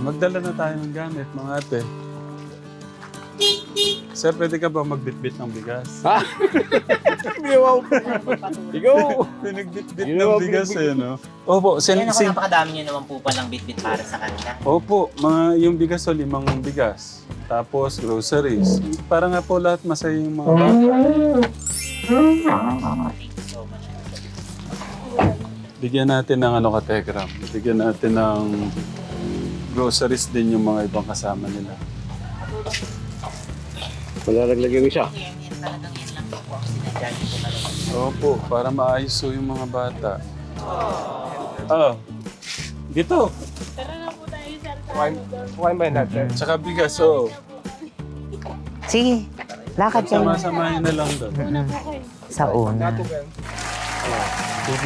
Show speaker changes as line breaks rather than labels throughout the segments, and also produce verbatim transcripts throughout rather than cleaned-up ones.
magdala na tayo ng gamit, mga ate. Sir, pwede ka ba magbitbit ng bigas?
Ha? Ginawa ko. Ikaw!
Pinagbitbit
Ginawa
ng bigas
binibit.
eh, no? Opo, sin,
Yan ako,
sin,
napakadami nyo naman po palang bit-bit para sa kanila.
opo, mga, yung bigas o limang bigas. Tapos groceries. Para nga po lahat masaya yung mga bata.
Thank you so much.
Bigyan natin ng ano ka, Tegram. Bigyan natin ng groceries din yung mga ibang kasama nila.
Malalaglag yung isa.
Yan, yan talagang yan lang po ang sinadyan ko talaga.
Opo, para maayos po yung mga bata. Ah, dito.
Kuhain ba yun natin?
Tsaka bigas, oh.
Sige, lakad kayo.
Sama-samahin na lang doon.
Mm. Sa una.
Sige.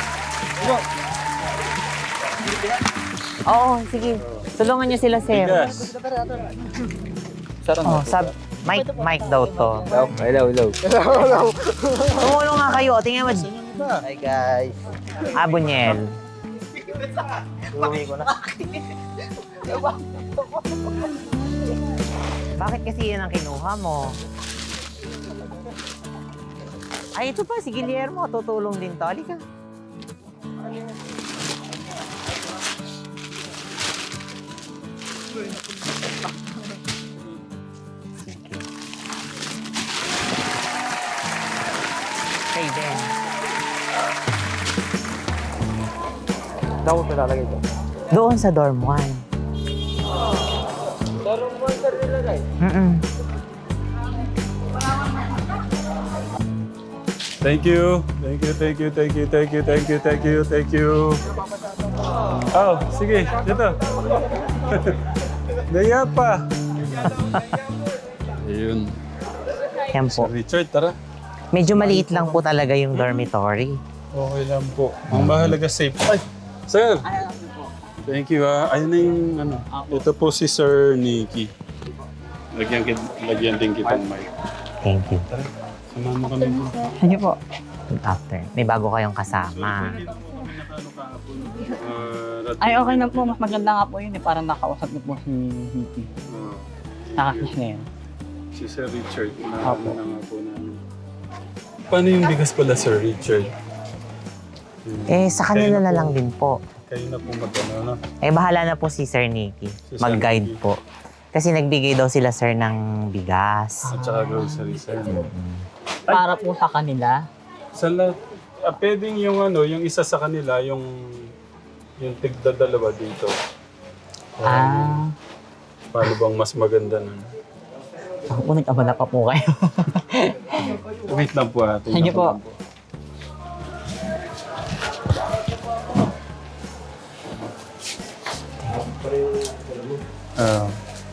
Oo, sige. Tulungan niyo sila, sir.
Bigas.
Oh, sab Mike, Mike daw to.
Hello, hello.
Tumulong nga kayo. Tingnan mo.
Hi guys.
Ah, Bunyel.
Uwi ko na.
Bakit kasi yan ang kinuha mo? Ay, ito pa. Si Guillermo. Tutulong din to. Halika. Sige. Kay Ben.
Saan ko pinalagay ito?
Doon sa dorm one.
Dorm one sir nilagay?
Mm-mm.
Thank you. Thank you, thank you, thank you, thank you, thank you, thank you, thank you. Oh, sige, dito. Naya pa. Ayun.
Yan
Sir
po.
Richard, tara.
Medyo maliit lang po talaga yung dormitory.
Okay lang po. Ang mahalaga safe. Ay, sir. Thank you ah. Ayun na yung ano. Ito po si Sir Nicky. Lagyan, kit lagyan din kitang mic.
Thank you.
Tara, samahan mo kami po.
Ano po? After. May bago kayong kasama.
Uh,
Ay, okay na po. Mas maganda nga po yun eh. Parang nakausap niyo po si Vicky.
Uh,
Nakakiss na yun.
si Sir Richard. Na,
Opo.
na nga po namin. Paano yung bigas pala, Sir Richard? Hmm.
Eh, sa kanila na lang din po.
Kayo na po mag-ano, no?
Eh, bahala na po si Sir Nicky.
Si Sir
Mag-guide
Nicky.
po. Kasi nagbigay daw sila, sir, ng bigas.
At saka grocery, Sir.
Para po sa kanila.
Sa lahat, ah, pwedeng yung ano, yung isa sa kanila, yung yung tigda dalawa dito.
Ah.
Paano bang mas maganda nun?
Ako po, nag-abala pa po kayo.
Wait lang po ha. tingnan
Sige
ko
po.
lang Ah.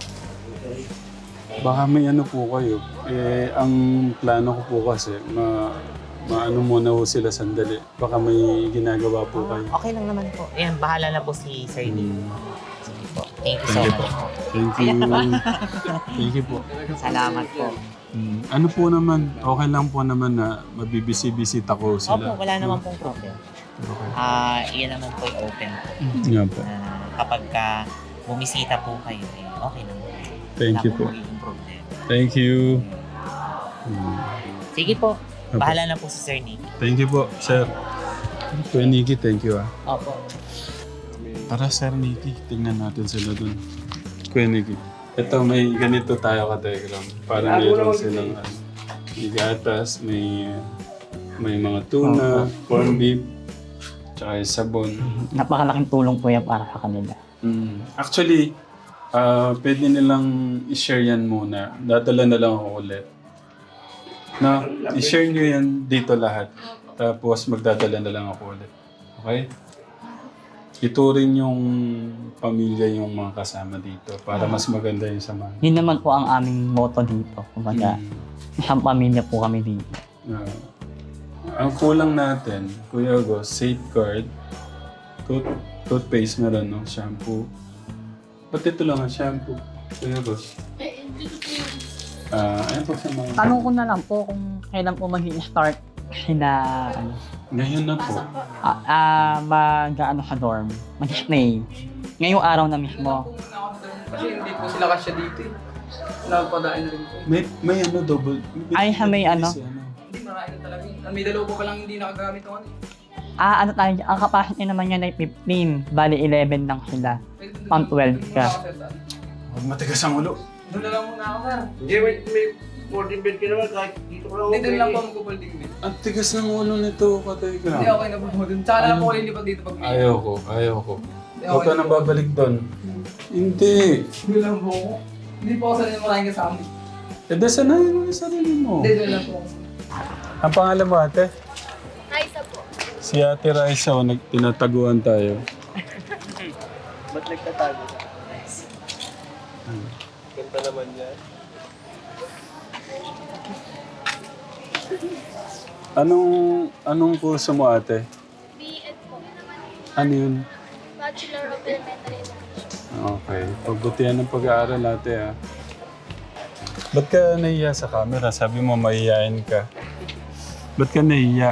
Baka may ano po kayo. Eh, ang plano ko po kasi, ma, maano muna po sila sandali. Baka may ginagawa po kayo.
Okay lang naman po. Ayan, bahala na po si Sir Nicky.
Hmm.
Sige po. Thank you so
Thank you po.
much po.
Thank you. Thank you po.
Salamat po.
Hmm. Ano po naman, okay lang po naman na mabibisi-bisita ko
Opo,
sila.
wala naman pong problem.
Okay.
Ah, iyan naman po yung open po.
Nga po.
Ah, kapag ka bumisita po kayo, eh, okay lang.
Thank
Wala
you
pong
po.
magiging problem.
Thank you. Hmm.
Sige po.
Opo.
Bahala na po si Sir Nicky.
Thank you po, sir. Kuya Nicky, thank you ah.
Opo.
Tara, Sir Nicky, tingnan natin sila dun. Kuya Nicky. Ito, may ganito tayo ka-telegram. Para meron silang ano, may gatas, may, may mga tuna, corned beef, tsaka yung sabon.
Napakalaking tulong po yan para sa kanila.
Mm. Actually, ah pwede nilang i-share yan muna. Dadala na lang ako ulit. Na, i-share nyo yan dito lahat. Tapos magdadala na lang ako ulit. Okay? Ituring yung pamilya yung mga kasama dito para mas maganda yung samahan.
Yun naman po ang aming motto dito. Kumbaga,
Mm.
isang pamilya po kami dito.
Ah. Ang kulang natin, Kuya Agos, safeguard, tooth, toothpaste meron, no? Shampoo. Ba't ito lang ang shampoo? Kuya Agos. Ah, ayun po sa mga...
Tanong ko na lang po kung kailan po mag-i-start sila ano,
Ngayon na po.
ah, ah, mag ano sa dorm, mag-stay. Ngayong araw na mismo.
Kasi hindi po sila kasya dito eh. Napadain na rin po.
May, may ano, double.
Ay, ha, may ano?
Hindi, marami na talaga. eh. May dalawa po pa lang hindi nakagamit ng ano eh.
Ah, ano tayo, ang capacity naman niya ay fifteen. Bali, eleven lang sila.
Pwede doon-
Pang twelve
doon
ka.
muna ako, sir, sir.
Huwag matigas ang ulo.
Doon na lang muna ako, sir.
Hindi, may, may fourteen bed ka naman kahit dito ka lang.
Hindi, doon lang po magkukulding din.
Ang tigas ng ulo nito, Kategram.
Hindi, okay na po po doon. Tsaka na lang po kayo lipat dito pag may...
Ayaw ko, ayaw ko.
Hindi,
Huwag ka
okay
na babalik doon. Hindi.
Doon lang po ako. Hindi po ako sanay maraming kasama.
E de, sanayin mo yung sarili mo.
Hindi, doon lang po ako.
Ang pangalan mo, ate?
Raisa po.
Si Ate Raisa, o nag tinataguan tayo.
Ba't nagtatago? Ganda naman yan.
Anong, anong kurso mo, ate?
B Ed po.
Ano yun?
Bachelor of Elementary Education.
Okay. Pagbutihan ng pag-aaral, ate, ah. Ba't ka nahiya sa camera? Sabi mo, mahihayin ka. Ba't ka nahiya?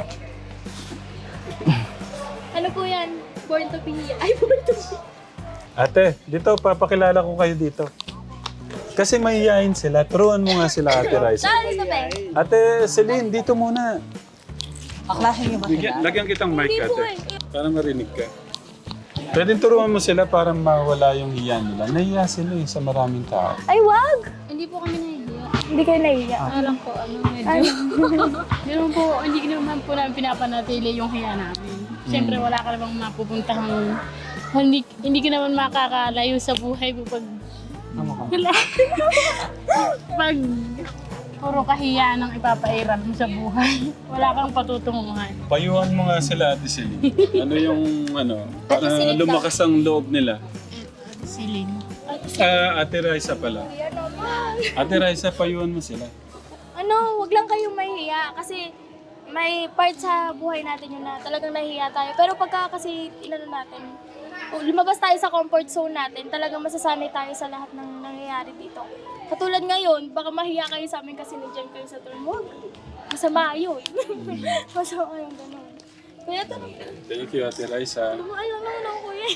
Ano po yan? Born to be. Ay, born to be.
Ate, dito, papakilala ko kayo dito. Kasi mahihayin sila. Turuan mo nga sila, Ate Raisa.
Saan sa pe?
Ate Celine, dito muna.
Kaklase niyo ba sila?
Bigyan, lagyan kitang mic,
Hindi po
ate.
eh.
Para marinig ka. Pwede turuan mo sila para mawala yung hiya nila. Nahiya sila eh, sa maraming tao.
Ay, wag! Hindi po kami nahihiya. Hindi kayo nahihiya.
Alam ko, ano, medyo. Ganun po, hindi naman po namin pinapanatili yung hiya namin. Siyempre, wala ka namang mapupuntahang, hindi, hindi ka naman makakalayo sa buhay mo pag,
Ano ka?
wala. Pag puro kahiya ng ipapairan mo sa buhay. Wala kang patutunguhan.
Payuhan mo nga sila, Ate Celine. Ano yung, ano, para
Celine
lumakas ang loob nila.
Siling.
Ah, Ate Raisa pala.
Kuya naman.
Ate Raisa, payuhan mo sila.
Ano, wag lang kayong mahihiya kasi may part sa buhay natin yun na talagang nahihiya tayo. Pero pagka kasi inano natin, o lumabas tayo sa comfort zone natin, talagang masasanay tayo sa lahat ng nangyayari dito. Katulad ngayon, baka mahiya kayo sa amin kasi nandiyan kayo sa turn. Wag. Masama yun. Masama yung ganun. Kaya ito,
Thank you, Ate Raisa.
ayaw naman ako kuya.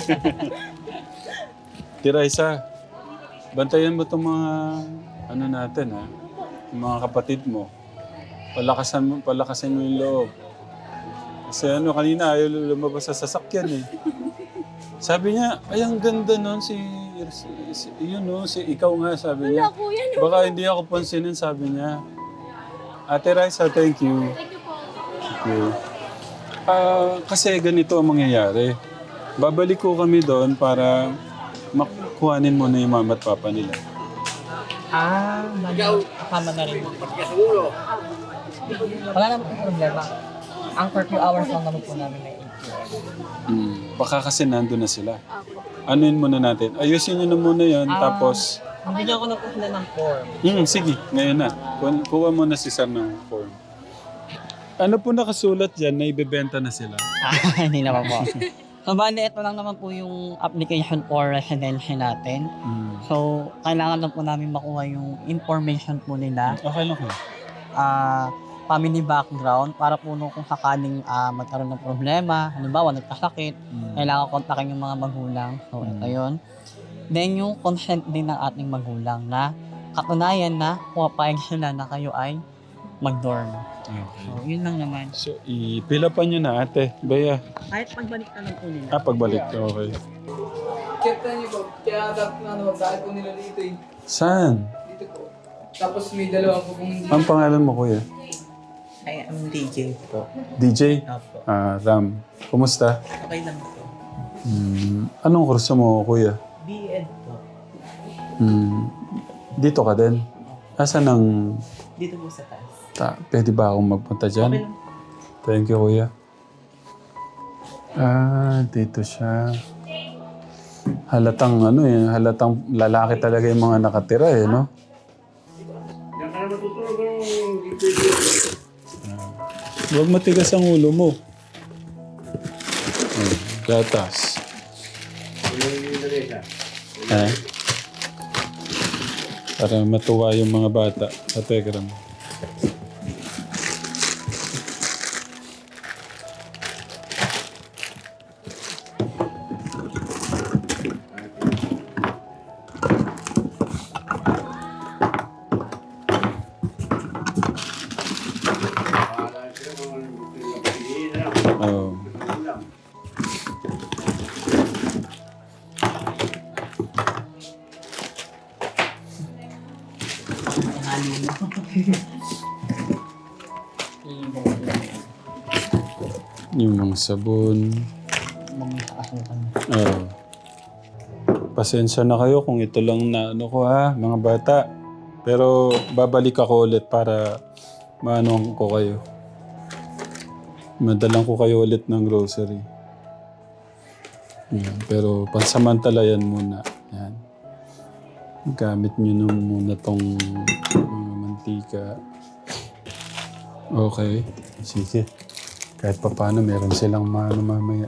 Ate Raisa, bantayan mo itong mga, ano natin ha, yung mga kapatid mo. Palakasan mo, palakasan mo yung loob. Kasi ano, kanina ayaw lumabas sa sasakyan eh. Sabi niya, ay ang ganda nun si, si, si yun no, si ikaw nga sabi niya.
Wala kuya. No.
Baka hindi ako pansinin sabi niya. Ate Raisa, thank you.
Thank you po.
Thank you. Ah, kasi ganito ang mangyayari. Babalik ko kami doon para makuhanin mo na yung mama at papa nila.
Ah, mag- kasama na rin. Wala naman po problema. Ang curfew hours lang naman po namin ay eight p m
Hmm. Baka kasi nandun na sila. Anuin muna natin. Ayusin nyo na muna yon
Ah.
tapos...
Bigyan ko na po sila ng form.
Hmm, sige, ngayon na. Ku- Kuha mo na si Sam ng form. Ano po nakasulat dyan na ibebenta na sila?
Ah, hindi naman po. So, bali, ito lang naman po yung application for residency natin.
Hmm.
So, kailangan lang po namin makuha yung information po nila.
Okay lang ko.
ah family background para po nung kung sakaling ah, magkaroon ng problema, halimbawa nagkasakit,
Hmm.
kailangan kontakin yung mga magulang. So, ito yun. Then, yung consent din ng ating magulang na katunayan na pumapayag sila na kayo ay mag-dorm.
Okay.
So, yun lang naman.
So, ipilapan nyo na ate. Baya.
Kahit pagbalik na lang po nila.
Ah, pagbalik. Okay.
Captain niyo po, kaya dapat na ano, bakit po nila dito eh.
Saan?
Dito po. Tapos may dalawa po kung hindi.
Ang pangalan mo, kuya?
Ay, I'm D J po.
D J?
Opo.
Ah, Ram. Kumusta?
Okay lang po.
Hmm. Anong kurso mo, kuya?
B Ed po.
Hmm. Dito ka din? Asan ang...
Dito po sa taas.
Ta, pwede ba akong magpunta dyan?
Okay lang.
Thank you, kuya. Ah, dito siya. Halatang ano eh, halatang lalaki talaga yung mga nakatira eh, no? Ah, huwag matigas ang ulo mo. Oh, gatas. Eh? Para matuwa yung mga bata. Kategram. Oh. Yung mga sabon.
Mga asukan.
Oh. Pasensya na kayo kung ito lang na ano ko ha, mga bata. Pero babalik ako ulit para maano ko kayo. Madalang ko kayo ulit ng grocery. Yan. Pero pansamantala yan muna. Yan. Gamit nyo nung muna tong mga mantika. Okay. Sige. Kahit pa paano meron silang maano mamaya.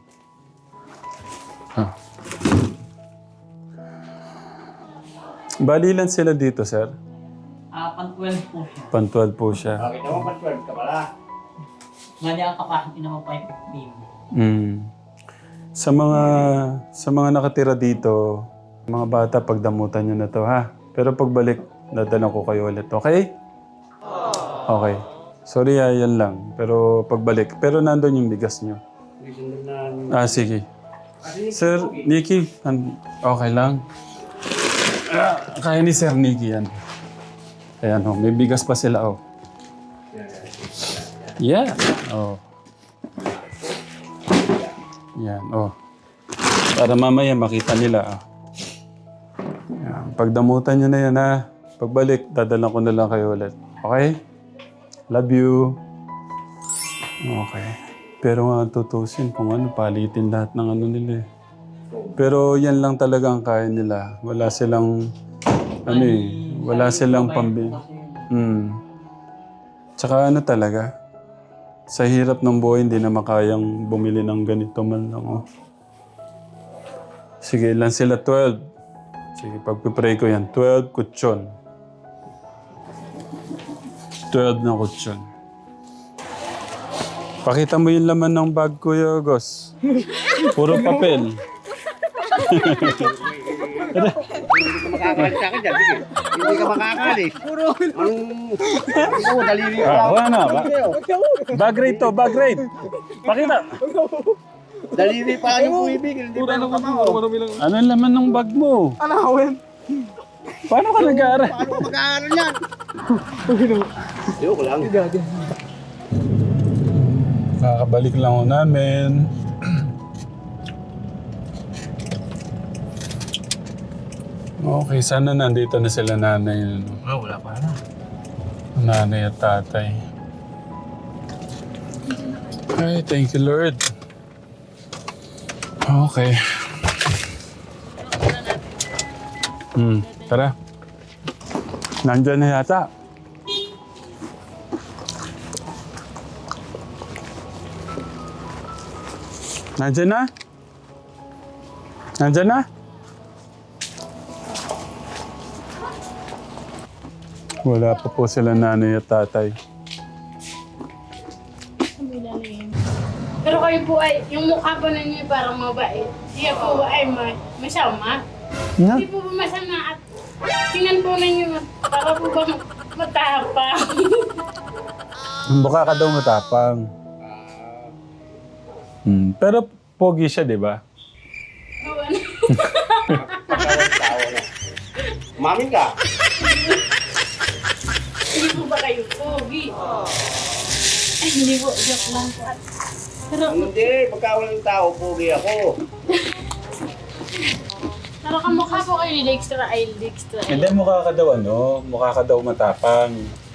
Ha. Bali lang sila dito, sir?
Ah, pang twelve po siya.
Pan twelve po siya.
Bakit naman pa-twelve ka pala?
Mali ang capacity naman po ay fifteen.
Mm. Sa mga sa mga nakatira dito, mga bata, pagdamutan nyo na to, ha? Pero pagbalik, dadalan ko kayo ulit, okay? Okay. Sorry, ah, yan lang. Pero pagbalik. Pero nandun yung bigas nyo. Ah, sige. Sir, Nicky, an- okay lang. Ah, kaya ni Sir Nicky yan. Ayan, oh, may bigas pa sila, oh. Yeah. Oh. Yan, oh. Para mamaya makita nila, ah. Yan. Pagdamutan nyo na yan, ha. Pagbalik, dadalan ko na lang kayo ulit. Okay? Love you. Okay. Pero nga tutusin kung ano, palitin lahat ng ano nila eh. Pero yan lang talaga ang kaya nila. Wala silang, ano eh, wala silang pambi. Hmm. Tsaka ano talaga, sa hirap ng buhay, hindi na makayang bumili ng ganito man lang, oh. Sige, ilan sila? twelve. Sige, pagpipray ko yan. twelve kutsyon. twelve na kutsyon. Pakita mo yung laman ng bag, Kuya Gos. Puro papel.
Makakali sa akin dyan, sige. Hindi ka makakali. Puro. Anong... Ikaw, daliri ka.
Ah, wala na. Ba- bag rate to, bag rate. Pakita.
Daliri pa lang yung puibig. Hindi pa yung kamao.
Ano ang laman ng bag mo?
Anawin.
Paano ka nag-aaral?
Paano ka mag-aaral yan? Ayoko lang.
Kakabalik lang ho namin. Okay, sana nandito na sila nanay. Ano?
Oh, wala pa na.
Nanay at tatay. Ay, thank you, Lord. Okay. Hmm, tara. Nandyan na yata. Nandyan na? Nandyan na? Wala pa po sila nanay at tatay.
Pero kayo po ay, yung mukha po ninyo ay parang mabait. Siya po ay may, masama.
Na?
Hindi po ba masama at tingnan po ninyo para po bang matapang.
Mukha ka daw matapang. Hmm. Pero pogi siya, di ba?
Oo, ano?
Mamin ka.
Hindi po ba kayo pogi? Ay, hindi po, joke lang po. Pero,
Hindi, pagka walang tao, pugi ako.
pero kamukha po kayo ni Dexter ay Dexter.
Hindi, mukha ka daw ano, mukha ka daw matapang.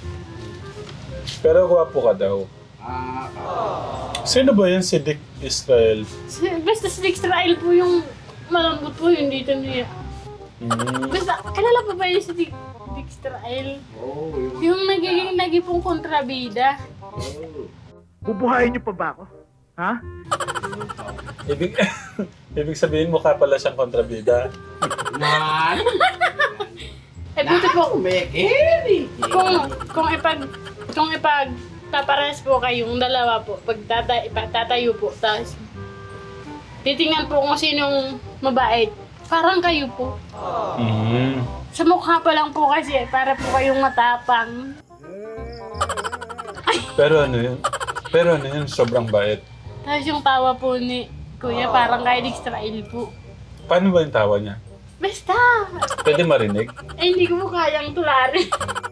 Pero gwapo ka daw.
Ah,
Sino ba yan si Dick Israel?
Si- Basta si Dexter ay po yung malambot po yung dito niya.
Hmm.
Basta, kilala pa ba yun si Dick, Dexter Isle?
oh, yung...
Yung nagiging nagipong kontrabida.
Bubuhayin niyo pa ba ako? Ha?
Ibig, ibig sabihin mukha pala siyang kontrabida.
Man!
Eh, buti po,
Mekeri!
kung, kung ipag, kung ipag, tapares po kayong dalawa po, pag tata, ipa- tatayo po, tapos titingnan po kung sinong mabait. Parang kayo po.
Hmm.
Sa mukha pa lang po kasi, para po kayong matapang.
Pero ano yun? Pero ano yun? Sobrang bait.
Tapos yung tawa po ni Kuya, parang kay Israel po.
Paano ba yung tawa niya?
Basta!
Pwede marinig?
Eh, hindi ko po kayang tularin.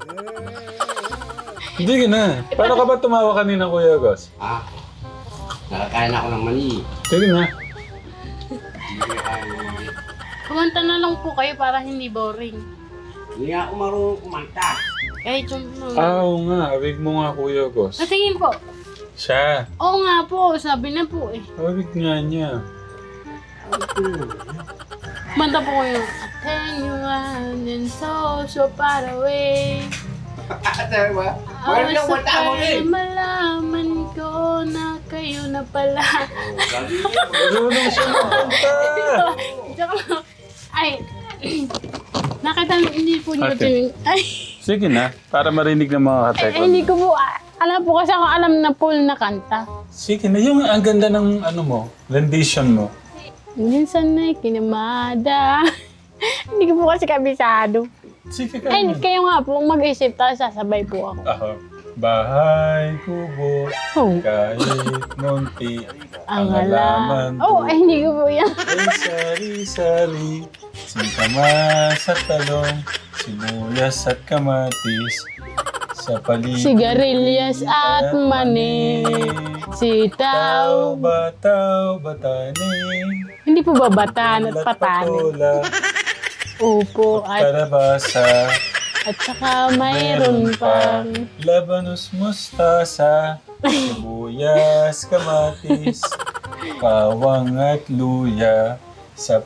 Hindi ka na. Paano ka ba tumawa kanina, Kuya Gus?
Ah, nakakain ako ng mani.
Sige na.
Hindi ko kaya ng mani.
Kumanta na lang po kayo para hindi boring.
Hindi nga ako marunong kumanta.
Kahit yung...
Ah, oo nga. Awig mo nga, Kuya Gus.
Ah, tingin po.
Siya.
Oo nga po, sabi na po eh.
Awig nga niya.
Kumanta po ko yung Attenuan and so, so far away.
Sabi ba?
I
Wala
was
nang kumanta ako
surprised
eh.
na malaman ko na kayo na pala.
Sabi niya,
Marunong siya magkanta.
Joke lang. Ay, nakita hindi po niyo
Ate.
yung... Ay,
Sige na. Para marinig ng mga
ay,
katekram.
ay, hindi ko po, ah, alam po kasi ako alam na full na kanta.
Sige na. Yung ang ganda ng ano mo, rendition mo.
Minsan na'y kinamada. Hindi ko po kasi kabisado.
Sige ka.
Ay, kayo nga po, mag-isip tayo, sasabay po ako.
Ako. Bahay, kubo,
Oh,
kahit munti,
ang
ang halaman
alam. Oh, ay, hindi ko po yan.
ay sari-sari, sintama sa talong, sibuyas at kamatis, sa paligid.
Sigarilyas at mani,
Tao,
sitaw.
bataw, batani,
Hindi po ba batan at patani?
patola,
Opo, at,
kalabasa,
at saka mayroon pang...
labanos, mustasa, sibuyas, kamatis, bawang at luya, sa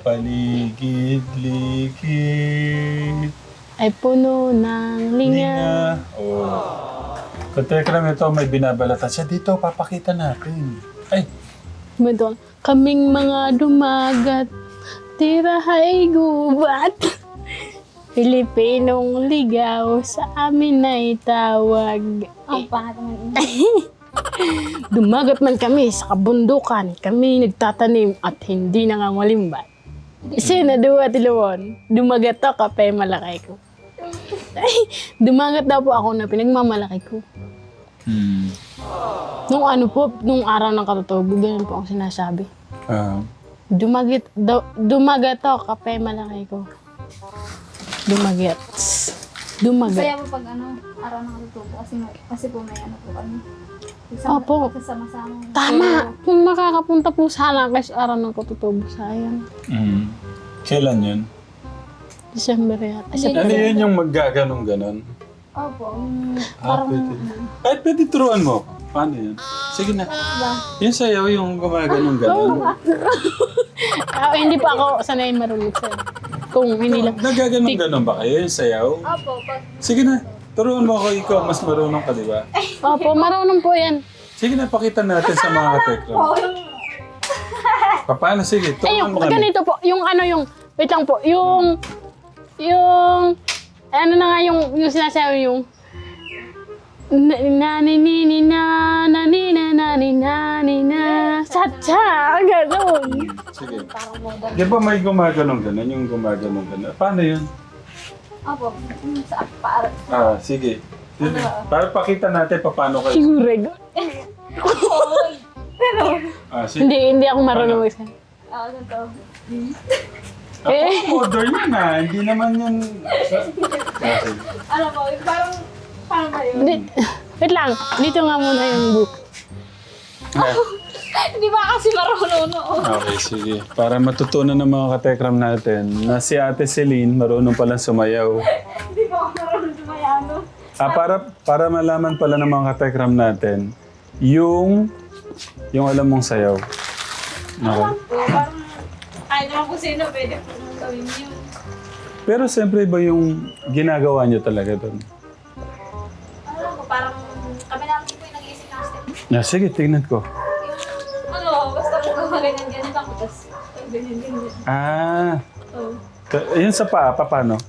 paligid-ligid.
Ay puno ng linga.
Linga. Oh. Katekram ito, may binabalatan siya. Dito, papakita natin. Ay,
Madong, kaming mga dumagat, tirahay gubat. Pilipinong ligaw sa amin ay tawag.
Ang pangat naman.
Dumagat man kami sa kabundukan, kami nagtatanim at hindi nangangalimbat. Sinadua tiluon, dumagat ako kape malaki ko. Ay, dumagat daw po ako na pinagmamalaki ko.
hmm.
Nung ano po, nung araw ng katutubo, ganun po ang sinasabi.
Ah,
Dumagat, daw, dumagat ako kape malaki ko. Dumagat. Dumagat.
Kaya po pag ano, araw na katutubo kasi, kasi po may ano po kami. Isama-
Opo.
Kasama-sama.
Tama! Kung makakapunta po sana kasi araw ng katutubo, sayang.
mm. Kailan yun?
December yata.
Hindi.
Ano yun yung maggaganong-ganon?
Opo. Yung
Ah,
parang...
pwede. Kahit pwede turuan mo. Paano yun? Sige na.
Ba?
Yung sayaw, yung gumaganon-ganon.
Ah, hindi pa ako sanay marunong sa kung hindi lang.
Nagaganon-ganon ba kayo yung sayaw?
Opo. Pag...
Sige na. Turuan mo ako, ikaw. Mas marunong ka, di ba?
Opo, marunong po yan.
Sige na, pakita natin sa mga katekram. Paano? Sige,
Ay,
turuan
yung
mo kami.
ganito po, yung ano yung, wait lang po, yung, yung, ano na nga yung, yung sinasabi yung, na na ni ni ni na na ni na na ni na ni na sa cha ganun.
Sige. Di ba may gumaganon-ganon? Yung gumaganon-ganon. Paano yun?
Opo. Yung sa para.
Ah, sige. Para pakita natin pa paano kayo.
Sigurego.
Ah, sige.
Hindi, hindi ako marunong mag
Ah, ganito.
Ako, modern yun ah. Hindi naman yan... Ah, sige.
Alam mo, yung parang... Paano ba yun?
Di- Wait lang, dito nga muna yung book.
Ah,
Hindi ba kasi marunong noon?
okay, sige. Para matutunan ng mga katekram natin na si Ate Celine marunong palang sumayaw.
Hindi ba ako marunong sumayano?
Ah, para, para malaman pala ng mga katekram natin yung yung alam mong sayaw. Okay.
Po, parang... Ay, naman kung sino pwede po nang gawin yun.
Pero siyempre ba yung ginagawa niyo talaga doon?
Alam ko, parang... Kami namin po yung nag-iisip ng step.
Ah, sige, tingnan ko.
Yung... Ano, basta po gawa ganyan-ganyan lang. Tapos, ganyan-ganyan.
Ah,
Oh.
ta- yun sa paa, pa, paano?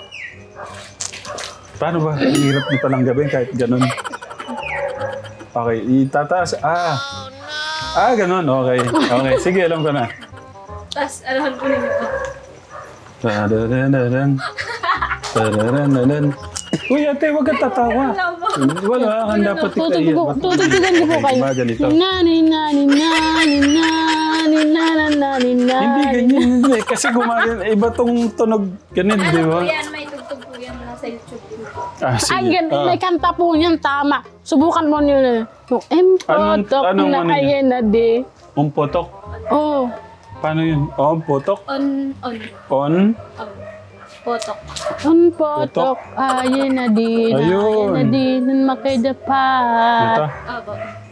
Paano ba? Ang hirap niyo palang gawin kahit ganun. Okay, itataas. Ah, ah, ganun. Okay, okay. Sige, alam ko na.
Tapos, alahan po ninyo.
Tararararan. Tararararan. Uy, ate, huwag kang tatawa.
Alam mo.
Wala, ang dapat ikaiyan.
Tutugtog- Tutugtugan ko po kayo.
Mga ganito.
Nani, nani, nani, nani, nani, nani, nani.
Hindi ganyan, hindi. Kasi gumagana, iba tong tunog ganun, di ba?
Ano po yan, may tugtog po yan nasa YouTube po.
Ah, sige.
Ay, gan-
Ah.
may kanta po niyan, tama. Subukan mo niyo na. Yung
Anong-
empotok
anong
na
ano niya?
ayen na di.
Um, putok.
Oh,
Paano yun? Oh, putok.
On, on,
On.
oh. Potok.
empotok ayen na di. Na
Ayun.
ayen na di. Nan makidapa.
Ito.
Opo.